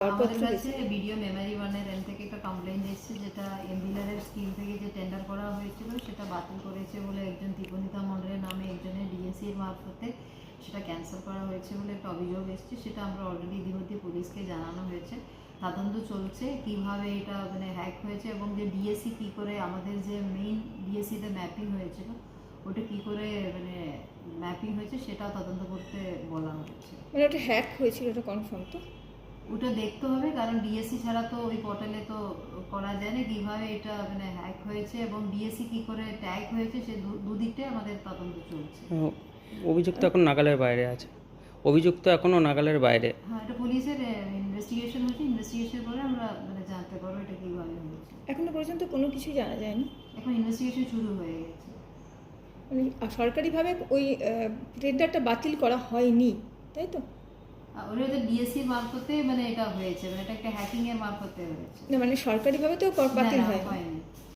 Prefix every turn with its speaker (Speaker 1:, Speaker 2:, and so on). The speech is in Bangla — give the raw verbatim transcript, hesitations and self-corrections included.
Speaker 1: আমাদের কাছে ভিডিও মেমোরি ওয়ানের এন্ড থেকে একটা কমপ্লেইন এসেছে, যেটা এমবিলারের স্কিম থেকে যে টেন্ডার করা হয়েছিল সেটা বাতিল করেছে বলে একজন দীপনিতা মন্ডলের নামে একজনের ডিএসসির মারফতে সেটা ক্যান্সেল করা হয়েছে বলে একটা অভিযোগ এসেছে। সেটা আমরা অলরেডি ইতিমধ্যে পুলিশকে জানানো হয়েছে, তদন্ত চলছে কিভাবে এটা মানে হ্যাক হয়েছে এবং যে ডিএসসি কী করে আমাদের যে মেইন ডিএসসিতে ম্যাপিং হয়েছিল ওটা কী করে মানে ম্যাপিং হয়েছে সেটাও তদন্ত করতে বলা হয়েছে।
Speaker 2: মানে ওটা হ্যাক হয়েছিল, ওটা কনফার্ম তো?
Speaker 1: ওটা দেখতে হবে, কারণ ডিএসসি ছাড়া তো ওই পোর্টালে তো করা যায় না কিভাবে এটা মানে হ্যাক হয়েছে এবং ডিএসসি কি করে ট্যাগ হয়েছে, সে দুদিকটাই আমাদের তদন্ত চলছে।
Speaker 3: অভিযুক্ত এখন নাগালের বাইরে আছে, অভিযুক্ত এখনো নাগালের বাইরে।
Speaker 1: হ্যাঁ, এটা পুলিশের ইনভেস্টিগেশন হচ্ছে, ইনভেস্টিগেশন করে আমরা মানে জানতে পারবো এটা কীভাবে হয়েছে।
Speaker 2: এখনো পর্যন্ত কোনো কিছু জানা যায়নি,
Speaker 1: এখন ইনভেস্টিগেশন শুরু হয়ে গেছে।
Speaker 2: মানে সরকারিভাবে ওই টেন্ডারটা বাতিল করা হয়নি, তাই তো?
Speaker 1: ওটা হচ্ছে ডিএসসির মারফতে মানে এটা হয়েছে, মানে এটা একটা হ্যাকিং এর মারফতে হয়েছে।
Speaker 2: না মানে সরকারিভাবে তো বাতিল হয়
Speaker 1: হয়নি।